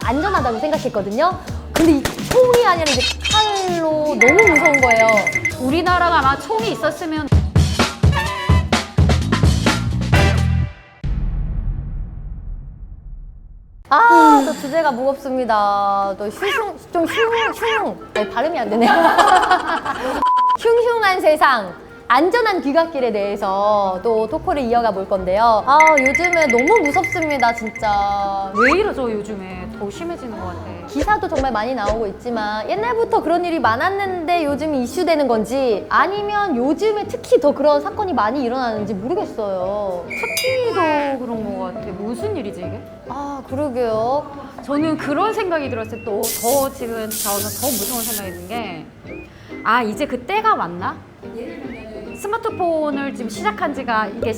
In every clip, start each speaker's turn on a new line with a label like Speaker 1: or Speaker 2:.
Speaker 1: 안전하다고 생각했거든요. 근데 이 총이 아니라 이제 칼로 너무 무서운 거예요.
Speaker 2: 우리나라가 아마 총이 있었으면
Speaker 1: 아, 또 주제가 무겁습니다. 또 아니, 발음이 안 되네요. 흉흉한 세상. 안전한 귀갓길에 대해서 또 토크를 이어가 볼 건데요. 아, 요즘에 너무 무섭습니다, 진짜.
Speaker 2: 왜 이러죠 요즘에 더 심해지는 것 같아.
Speaker 1: 기사도 정말 많이 나오고 있지만 옛날부터 그런 일이 많았는데 요즘 이슈되는 건지 아니면 요즘에 특히 더 그런 사건이 많이 일어나는지 모르겠어요.
Speaker 2: 특히도 그런 것 같아. 무슨 일이지 이게?
Speaker 1: 아, 그러게요.
Speaker 2: 저는 그런 생각이 들었어요. 또 더 지금 저는 더 무서운 생각이 든 게 이제 그 때가 왔나? 스마트폰을 지금 시작한 지가 이제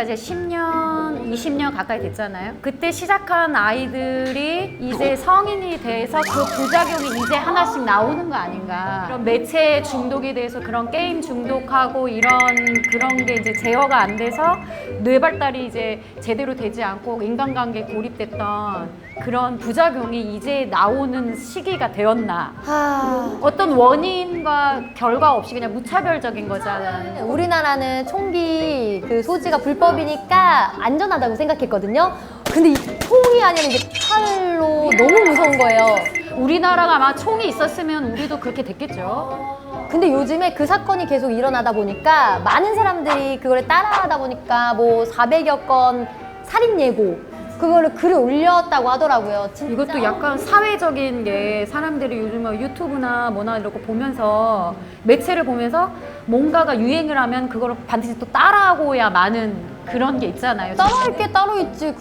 Speaker 2: 10년, 20년 가까이 됐잖아요. 그때 시작한 아이들이 이제 성인이 돼서 그 부작용이 이제 하나씩 나오는 거 아닌가. 그런 매체 중독에 대해서 그런 게임 중독하고 그런 게 이제 제어가 안 돼서 뇌 발달이 이제 제대로 되지 않고 인간관계에 고립됐던 그런 부작용이 이제 나오는 시기가 되었나. 어떤 원인과 결과 없이 그냥 무차별적인 거잖아요.
Speaker 1: 우리나라는 총기 그 소지가 불법이니까 안전하다고 생각했거든요. 근데 이 총이 아니라 이제 칼로 너무 무서운 거예요.
Speaker 2: 우리나라가 아마 총이 있었으면 우리도 그렇게 됐겠죠.
Speaker 1: 근데 요즘에 그 사건이 계속 일어나다 보니까 많은 사람들이 그걸 따라하다 보니까 뭐 400여 건 살인 예고 그거를 글을 올렸다고 하더라고요. 진짜.
Speaker 2: 이것도 약간 사회적인 게 사람들이 요즘 유튜브나 뭐나 이런 거 보면서 매체를 보면서 뭔가가 유행을 하면 그걸 반드시 또 따라하고야 마는 그런 게 있잖아요.
Speaker 1: 따라할 게 따로 있지.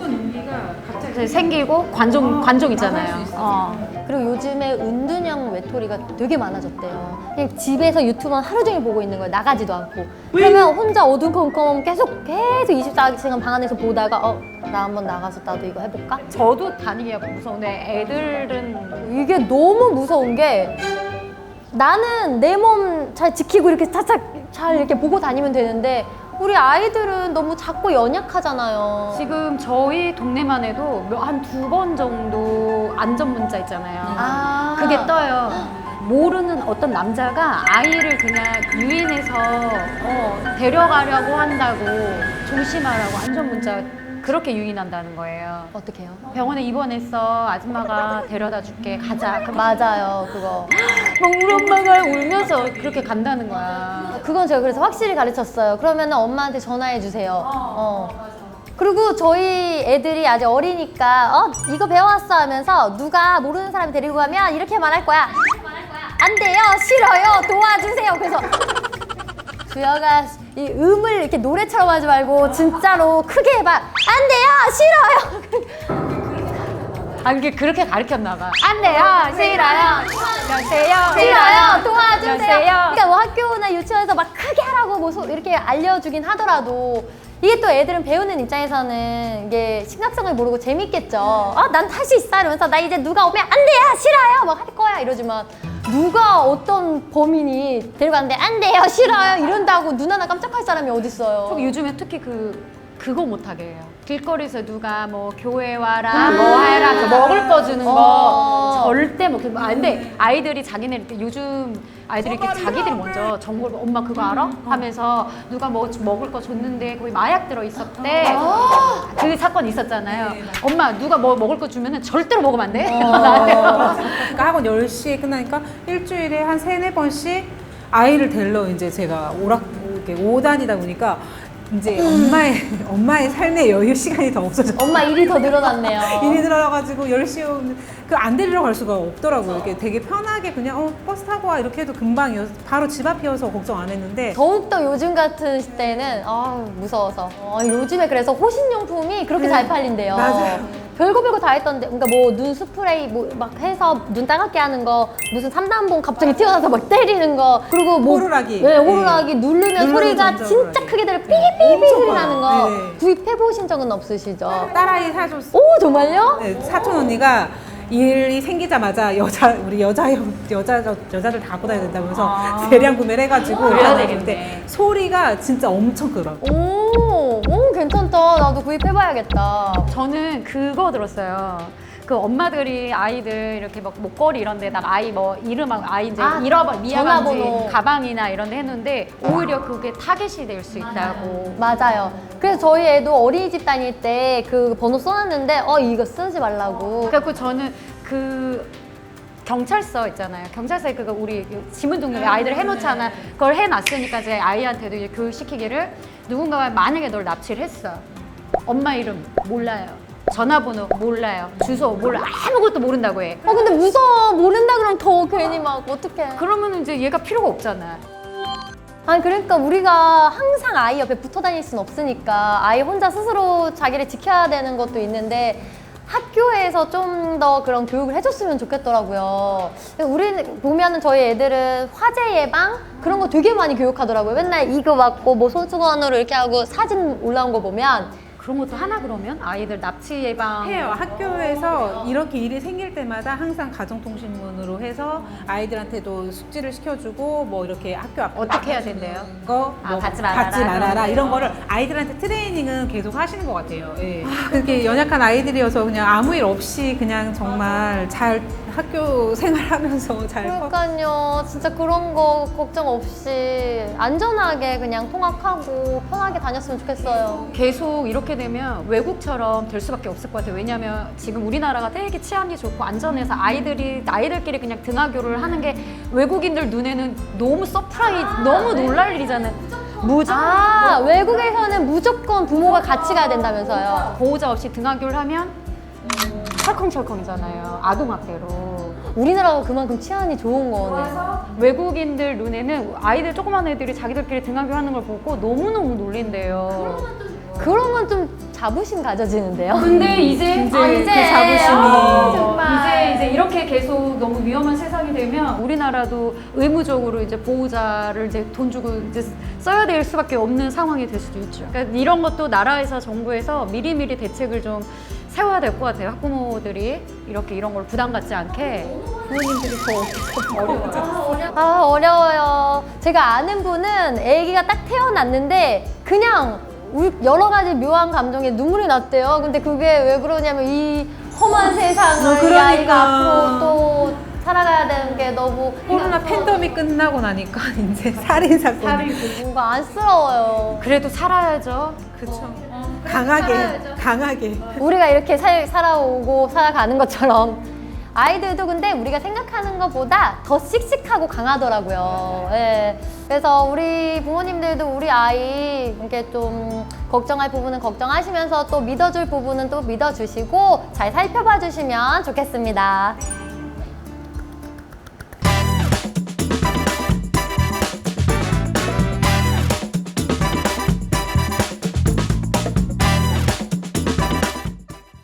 Speaker 2: 갑자기 생기고 관종 있잖아요.
Speaker 1: 그리고 요즘에 은둔형 외톨이가 되게 많아졌대요. 그냥 집에서 유튜브만 하루 종일 보고 있는 거예요. 나가지도 않고. 그러면 혼자 어두컴컴 계속 24시간 방 안에서 보다가 나 한번 나가서 나도 이거 해볼까?
Speaker 2: 저도 다니기가 무서운데 애들은
Speaker 1: 이게 너무 무서운 게 나는 내 몸 잘 지키고 이렇게 차차 잘 이렇게 보고 다니면 되는데 우리 아이들은 너무 작고 연약하잖아요.
Speaker 2: 지금 저희 동네만 해도 한 2번 정도 안전 문자 있잖아요. 그게 떠요. 모르는 어떤 남자가 아이를 그냥 유인해서 데려가려고 한다고 조심하라고 안전 문자 그렇게 유인한다는 거예요.
Speaker 1: 어떻게 해요?
Speaker 2: 병원에 입원했어. 아줌마가 데려다 줄게. 가자. 그럼
Speaker 1: 맞아요, 그거.
Speaker 2: 막 우리 엄마가 울면서 그렇게 간다는 거야.
Speaker 1: 그건 제가 그래서 확실히 가르쳤어요. 그러면 엄마한테 전화해 주세요. 그리고 저희 애들이 아직 어리니까 이거 배워왔어 하면서 누가 모르는 사람이 데리고 가면 이렇게 말할 거야. 안 돼요, 싫어요, 도와주세요. 그래서 주여가 이 음을 이렇게 노래처럼 하지 말고 진짜로 크게 해봐. 안 돼요, 싫어요.
Speaker 2: 이게 그렇게 가르쳤나 봐. 안 돼요, 싫어요,
Speaker 1: 싫어요, 도와주세요.
Speaker 2: 여세요.
Speaker 1: 그러니까 뭐 학교나 유치원에서 막 크게 하라고 뭐 이렇게 알려주긴 하더라도 이게 또 애들은 배우는 입장에서는 이게 심각성을 모르고 재밌겠죠. 난 할 수 있어 이러면서 나 이제 누가 오면 안 돼요, 싫어요 막 할 거야 이러지만 누가 어떤 범인이 데려가는데 안 돼요, 싫어요 이런다고 눈 하나 깜짝할 사람이 어딨어요.
Speaker 2: 요즘에 특히 그거 못하게 해요. 길거리에서 누가 뭐 교회 와라, 뭐 해라, 저 먹을 거 주는 거 절대 못. 근데 아이들이 요즘 아이들이 이렇게 자기들이 먼저 정보를 엄마 그거 알아? 하면서 누가 뭐 먹을 거 줬는데 거기 마약 들어 있었대. 그 사건 있었잖아요. 엄마 누가 뭐 먹을 거 주면은 절대로 먹으면 안 돼.
Speaker 3: 그러니까 학원 10시에 끝나니까 일주일에 한 3-4번씩 아이를 데리러 이제 제가 이렇게 오다니다 보니까 이제 엄마의 삶의 여유 시간이 더 없어졌어요.
Speaker 1: 엄마 일이 더 늘어났네요.
Speaker 3: 일이 들어가지고 10시에 오면 안 데리러 갈 수가 없더라고요. 이렇게 되게 편하게 그냥 버스 타고 와 이렇게 해도 금방 바로 집 앞이어서 걱정 안 했는데
Speaker 1: 더욱더 요즘 같은 시대에는 무서워서 요즘에 그래서 호신용품이 그렇게 잘 팔린대요.
Speaker 3: 맞아요.
Speaker 1: 별거 다 했던데 그러니까 뭐 눈 스프레이 뭐 막 해서 눈 따갑게 하는 거 무슨 3단봉 갑자기 튀어나와서 막 때리는 거 그리고 뭐
Speaker 3: 호루라기.
Speaker 1: 네, 호루라기 누르면 소리가
Speaker 3: 전자
Speaker 1: 진짜
Speaker 3: 호루라기.
Speaker 1: 크게 들려 삐삐삐삐 소리 나는 거
Speaker 3: 네네.
Speaker 1: 구입해 보신 적은 없으시죠?
Speaker 3: 딸아이 사줬어.
Speaker 1: 오 정말요?
Speaker 3: 네, 사촌 언니가 일이 생기자마자 우리 여자들 다 갖고 다녀야 된다면서 대량 구매를 해가지고
Speaker 2: 그래야
Speaker 3: 다녔는데
Speaker 2: 되겠네.
Speaker 3: 소리가 진짜 엄청 크더라고.
Speaker 1: 오 괜찮다. 나도 구입해봐야겠다.
Speaker 2: 저는 그거 들었어요. 그 엄마들이 아이들 이렇게 막 목걸이 이런 데다가 아이 뭐 이름하고 아이 이제
Speaker 1: 아,
Speaker 2: 미아반지
Speaker 1: 전화번호.
Speaker 2: 가방이나 이런 데 했는데 오히려 그게 타겟이 될 수 있다고.
Speaker 1: 맞아요. 그래서 저희 애도 어린이집 다닐 때 그 번호 써놨는데 이거 쓰지 말라고.
Speaker 2: 그래갖고 저는 그 경찰서 있잖아요. 경찰서에 그거 우리 지문 등록에 아이들 해놓잖아. 그걸 해놨으니까 제 아이한테도 이제 교육시키기를 누군가가 만약에 널 납치를 했어. 엄마 이름 몰라요. 전화번호 몰라요. 주소 몰라. 아무것도 모른다고 해.
Speaker 1: 근데 무서워. 모른다 그러면 더 괜히 막 어떡해.
Speaker 2: 그러면 이제 얘가 필요가 없잖아.
Speaker 1: 아니 그러니까 우리가 항상 아이 옆에 붙어 다닐 순 없으니까 아이 혼자 스스로 자기를 지켜야 되는 것도 있는데 학교에서 좀 더 그런 교육을 해줬으면 좋겠더라고요. 우리 보면은 저희 애들은 화재 예방 그런 거 되게 많이 교육하더라고요. 맨날 이거 맞고 뭐 손수건으로 이렇게 하고 사진 올라온 거 보면
Speaker 2: 그런 것도 하나 그러면 아이들 납치 예방
Speaker 3: 해요. 학교에서 이렇게 일이 생길 때마다 항상 가정통신문으로 해서 아이들한테도 숙지를 시켜주고 뭐 이렇게 학교 앞에
Speaker 2: 어떻게 해야 된대요?
Speaker 3: 거
Speaker 2: 아, 받지 말아라.
Speaker 3: 그런 이런 거를 아이들한테 트레이닝은 계속 하시는 것 같아요. 예. 그렇게 연약한 아이들이어서 그냥 아무 일 없이 그냥 정말 잘 학교 생활하면서 잘
Speaker 1: 그러니까요. 진짜 그런 거 걱정 없이 안전하게 그냥 통학하고 편하게 다녔으면 좋겠어요.
Speaker 2: 계속 이렇게 되면 외국처럼 될 수밖에 없을 것 같아요. 왜냐하면 지금 우리나라가 되게 치안이 좋고 안전해서 아이들끼리 그냥 등하교를 하는 게 외국인들 눈에는 너무 서프라이즈, 너무 놀랄 일이잖아요.
Speaker 1: 외국에서는 무조건 부모가 같이 가야 된다면서요.
Speaker 2: 보호자 없이 등하교를 하면 철컹철컹이잖아요. 아동학대로.
Speaker 1: 우리나라가 그만큼 치안이 좋은 거네.
Speaker 2: 외국인들 눈에는 아이들 조그만 애들이 자기들끼리 등하교 하는 걸 보고 너무너무 놀린대요.
Speaker 1: 그러면 좀 자부심 가져지는데요.
Speaker 2: 근데 이제
Speaker 3: 그 자부심이
Speaker 1: 정말.
Speaker 2: 이제 이렇게 계속 너무 위험한 세상이 되면 우리나라도 의무적으로 이제 보호자를 이제 돈 주고 이제 써야 될 수밖에 없는 상황이 될 수도 있죠. 그러니까 이런 것도 나라에서 정부에서 미리미리 대책을 좀 세워야 될 것 같아요. 학부모들이 이런 걸 부담 갖지 않게. 부모님들이 더 어려워요.
Speaker 1: 어려워요. 제가 아는 분은 아기가 딱 태어났는데 그냥 여러 가지 묘한 감정에 눈물이 났대요. 근데 그게 왜 그러냐면 이 험한 세상을 이
Speaker 3: 그러니까.
Speaker 1: 아이가 앞으로 또 살아가야 되는 게 너무
Speaker 3: 코로나 팬데믹 끝나고 나니까 이제 살인 사건
Speaker 1: 뭔가 안쓰러워요.
Speaker 2: 그래도 살아야죠.
Speaker 3: 그렇죠. 강하게
Speaker 1: 우리가 이렇게 살아오고 살아가는 것처럼 아이들도 근데 우리가 생각하는 것보다 더 씩씩하고 강하더라고요. 예. 그래서 우리 부모님들도 우리 아이 이렇게 좀 걱정할 부분은 걱정하시면서 또 믿어줄 부분은 또 믿어주시고 잘 살펴봐 주시면 좋겠습니다.